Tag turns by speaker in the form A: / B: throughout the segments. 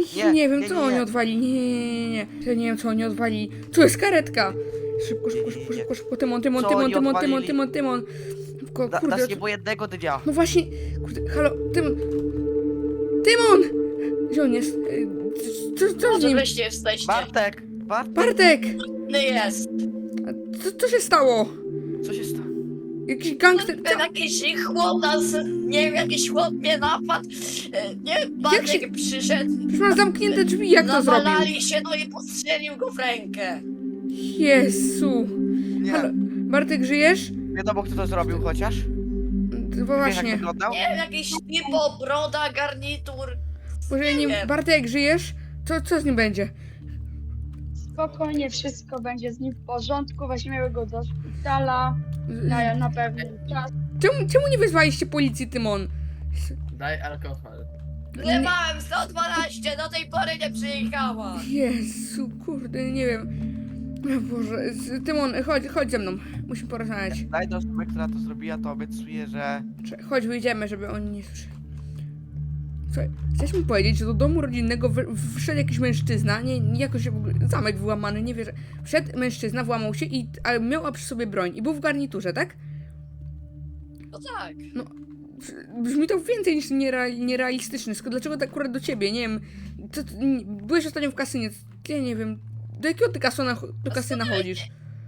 A: Nie wiem, co oni odwali. Nie. Ja nie wiem, co oni odwali. Tu jest karetka. Szybko. Tymon. Szybko, kurde.
B: Dasz nie było jednego dnia.
A: No właśnie, kurde, halo, Tymon! Gdzie on jest? Co z
C: Może
A: nim?
C: wreszcie jesteście.
B: Bartek!
A: Bartek!
C: No jest.
A: Co się stało?
B: Co się stało?
A: Jakiś gangster...
C: Ten jakiś chłop nas, nie wiem, jakiś chłop mnie napadł. Nie, Bartek przyszedł.
A: Przecież masz zamknięte drzwi, jak to zrobił?
C: Nawalali się, no i postrzelił go w rękę.
A: Jezu.
B: Nie.
A: Halo, Bartek, żyjesz?
B: Wiadomo, kto to zrobił chociaż?
A: Bo
B: Wiesz, jak
A: właśnie.
B: wyglądał?
C: Nie wiem, jakiś typo, broda, garnitur.
A: Boże, ja nie...
C: wiem.
A: Bartek, żyjesz? Co z nim będzie?
D: Spokojnie, wszystko będzie z nim w porządku. Weźmiemy go do szpitala na pewien czas.
A: Czemu nie wezwaliście policji, Tymon?
E: Daj alkohol.
C: Wlewałem 112, do tej pory nie przyjechała.
A: Jezu, kurde, nie wiem. O Boże, Tymon, chodź ze mną. Musimy porozmawiać.
B: Daj do osoby, która to zrobiła, to obiecuję, że...
A: Chodź, wyjdziemy, żeby oni nie słyszeli. Słuchaj, chcesz mi powiedzieć, że do domu rodzinnego wszedł jakiś mężczyzna, nie jakoś w ogóle zamek wyłamany, nie wierzę. Wszedł mężczyzna, włamał się, ale miał przy sobie broń i był w garniturze, tak?
C: No tak.
A: Brzmi to więcej niż nierealistyczne. Dlaczego tak akurat do ciebie? Nie wiem. Byłeś ostatnio w kasynie. Ja nie wiem. Do jakiego ty do kasyna chodzisz?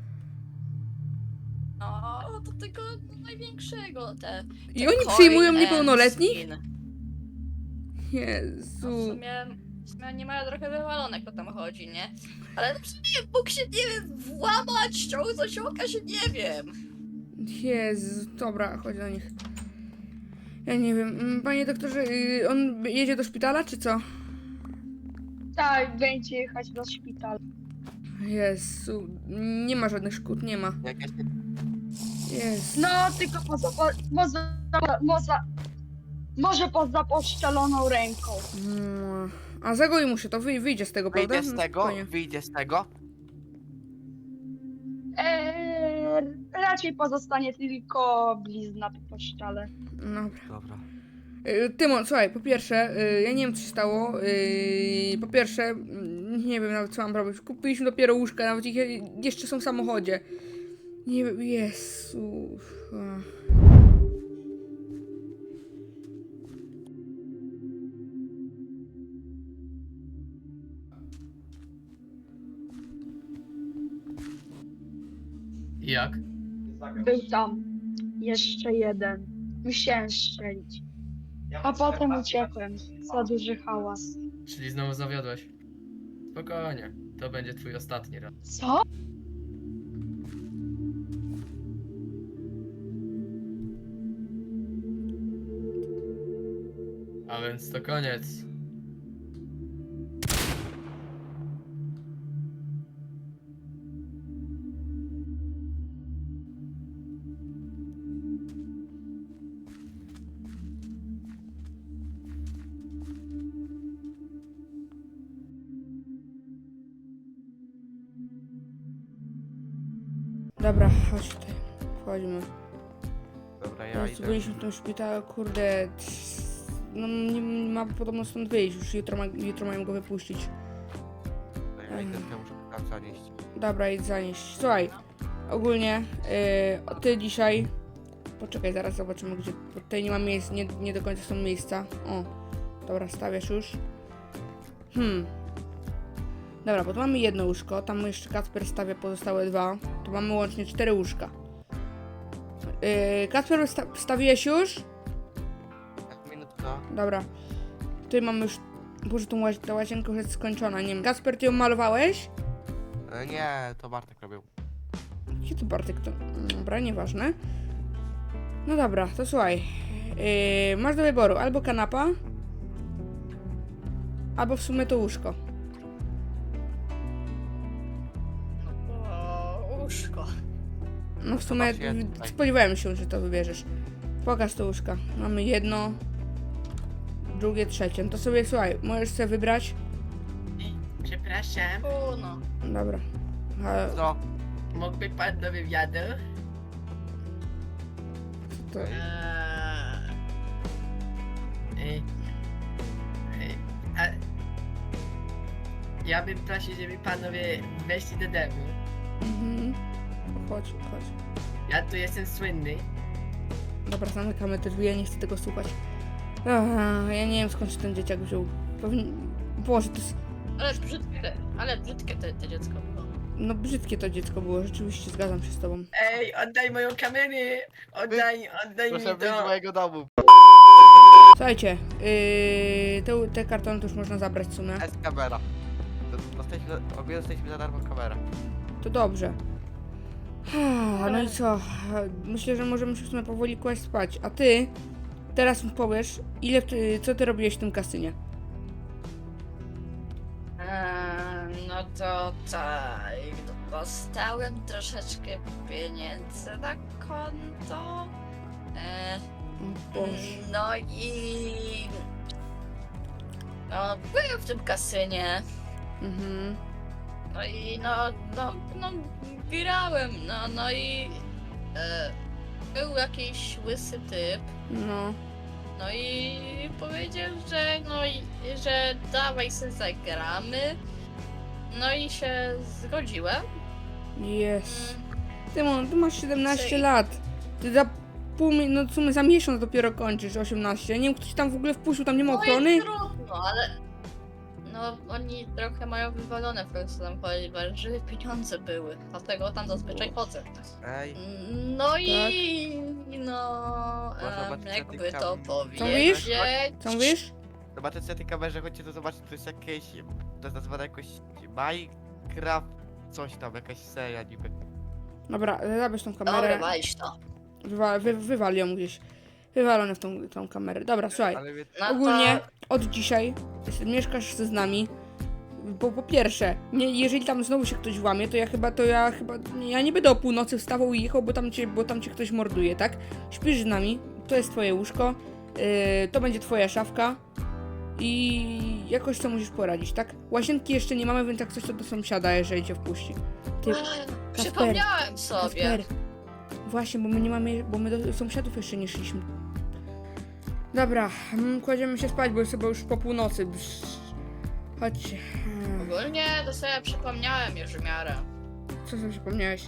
C: No, do tego największego,
A: I oni
C: coin
A: przyjmują
C: and
A: niepełnoletnich?
C: skin. No,
A: Jezu.
C: w sumie nie mają trochę wywalone, kto tam chodzi, nie? Ale w sumie mógł się, nie wiem, włamać, ściągnąć oka się, nie wiem.
A: Jezu. Dobra, chodź do nich. Ja nie wiem. Panie doktorze, on jedzie do szpitala, czy co?
D: Tak, będzie jechać do szpitala.
A: Jezu. Nie ma żadnych szkód, nie ma.
B: Jakaś...
A: Jezu.
D: No, tylko może poza poszczeloną ręką.
A: A zagoi mu się to, wyjdzie z tego, prawda?
B: Wyjdzie z tego,
A: Spokojnie.
B: wyjdzie z tego.
D: Raczej pozostanie tylko blizna po szczale.
A: Dobra.
B: Dobra.
A: Tymon, słuchaj, po pierwsze, ja nie wiem co się stało. Po pierwsze, nie wiem nawet co mam robić. Kupiliśmy dopiero łóżka, nawet ich jeszcze są w samochodzie. Nie wiem, Jezu.
E: I jak?
D: Był tam jeszcze jeden. Musiałem strzelić. A potem uciekłem. Za duży hałas.
E: Czyli znowu zawiodłeś. Spokojnie, to będzie twój ostatni raz.
D: Co?
E: A więc to koniec.
A: Dobra, chodź tutaj. Wchodzimy.
B: Dobra, ja
A: Teraz
B: idę.
A: byliśmy w tym szpitalu, kurde. No nie ma podobno stąd wyjść, już jutro mają go wypuścić.
B: Ja idę, ja muszę tam zanieść.
A: Dobra, idź zanieść. Słuchaj, ogólnie ty dzisiaj... Poczekaj, zaraz zobaczymy gdzie... Bo tutaj nie ma miejsc, nie do końca są miejsca. O, dobra, stawiasz już. Dobra, bo tu mamy jedno łóżko, tam jeszcze Kacper stawia pozostałe dwa. Tu mamy łącznie 4 łóżka. Kacper, wstawiłeś już?
B: Minutka.
A: Dobra. Tutaj mamy już... Boże, ta łazienka już jest skończona, nie wiem. Kacper, ty ją malowałeś?
B: Nie, to Bartek robił.
A: Gdzie to Bartek? To... Dobra, nieważne. No dobra, to słuchaj. Masz do wyboru albo kanapa, albo w sumie to łóżko.
C: Łóżko.
A: No w sumie
B: Zobacz, jest tutaj.
A: spodziewałem się, że to wybierzesz. Pokaż to łóżka. Mamy jedno, drugie, trzecie. No to sobie, słuchaj, możesz sobie wybrać.
E: Przepraszam,
C: No.
A: Dobra.
B: Co?
E: mógłby pan do wywiadu?
A: To...
E: Ej, a Ja bym prosił, żeby panowie weszli do domu.
A: Mhm. Chodź, chodź.
E: Ja tu jestem słynny.
A: Dobra, zamykamy te drzwi, ja nie chcę tego słuchać. Ja nie wiem skąd się ten dzieciak wziął. Boże, to jest...
C: Ale brzydkie to dziecko było.
A: No brzydkie to dziecko było, rzeczywiście zgadzam się z tobą.
E: Ej, oddaj moją kamerę! Oddaj mi
B: Proszę wyjść z
E: to!
B: mojego domu.
A: Słuchajcie, te kartony to już można zabrać w sumie.
B: Jest kamera. Obie dostaliśmy za darmo kamerę.
A: To dobrze. No i co? Myślę, że możemy się w sumie powoli kłaść spać. A ty teraz mi powiesz, co ty robiłeś w tym kasynie?
C: No to tak, dostałem troszeczkę pieniędzy na konto.
A: O Boże.
C: No i... No, byłem w tym kasynie.
A: Mhm.
C: No i grałem, no i był jakiś łysy typ,
A: No.
C: no i powiedział, że dawaj se zagramy, no i się zgodziłem.
A: Jest. Ty masz 17
C: Czy-
A: lat. Ty za no w sumie za miesiąc dopiero kończysz 18. Ja nie wiem, kto ci tam w ogóle wpuścił, tam nie ma
C: No
A: ochrony?
C: i trudno, ale no oni trochę mają wywalone w końcu tam ponieważ żeby pieniądze były, dlatego tam zazwyczaj chodzę.
B: Ej,
C: No i no
B: Można zobaczyć
C: jakby
B: na tej
C: to
B: mówisz?
C: powiedzieć.
A: Co mówisz?
B: zobaczcie na tej kamerze, chodźcie to zobaczyć, to jest jakieś... To jest nazwane jakoś... Minecraft... Coś tam, jakaś seria niby.
A: Dobra, zabierz tą
C: Dobra,
A: kamerę.
C: weź to.
A: Wywal ją gdzieś. Wywalone w tą kamerę. Dobra, słuchaj.
B: Ale wie...
C: No
A: Ogólnie
C: to...
A: od dzisiaj mieszkasz z nami. Bo po pierwsze, jeżeli tam znowu się ktoś włamie, to ja nie będę o północy wstawał i jechał, bo tam cię ktoś morduje, tak? Śpisz z nami, to jest twoje łóżko, to będzie twoja szafka i jakoś to musisz poradzić, tak? Łazienki jeszcze nie mamy, więc jak coś to do sąsiada, jeżeli cię wpuści. Ty,
C: Przypomniałem sobie.
A: Kasper, właśnie, bo my nie mamy, bo my do sąsiadów jeszcze nie szliśmy. Dobra, kładziemy się spać, bo jest chyba już po północy. Chodźcie.
C: Ogólnie to sobie przypomniałem już w miarę.
A: Co sobie przypomniałeś?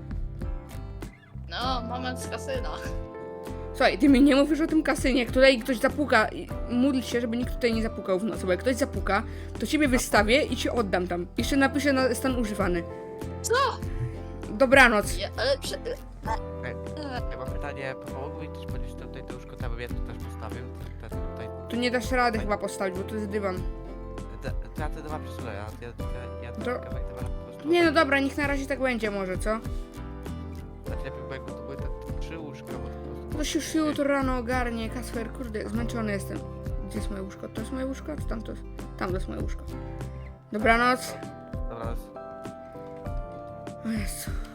C: No, moment z kasyna.
A: Słuchaj, ty mi nie mówisz o tym kasynie, jak tutaj ktoś zapuka. Módl się, żeby nikt tutaj nie zapukał w nocy, bo jak ktoś zapuka, to ciebie wystawię i ci oddam tam. Jeszcze napiszę na stan używany.
C: Co?
A: Dobranoc.
C: Ale
B: Ja mam pytanie, pomogły mi też podnieść tutaj to łóżko, tam bym ja tu też postawił. Tutaj...
A: Tu nie dasz rady chyba postawić, bo to jest dywan.
B: Ja te dwa przesunę, ja
A: To-
B: kawałek dwa po prostu...
A: Nie no dobra, niech na razie tak będzie może, co?
B: Znaczy lepiej, bo jakby to były te 3 łóżka, bo to po prostu...
A: To się już jutro rano ogarnie. Kasper, kurde, zmęczony jestem. Gdzie jest moje łóżko? To jest moje łóżko? Czy tam to jest? Tam to jest moje łóżko. Dobranoc.
B: Dobra,
A: O Jezu.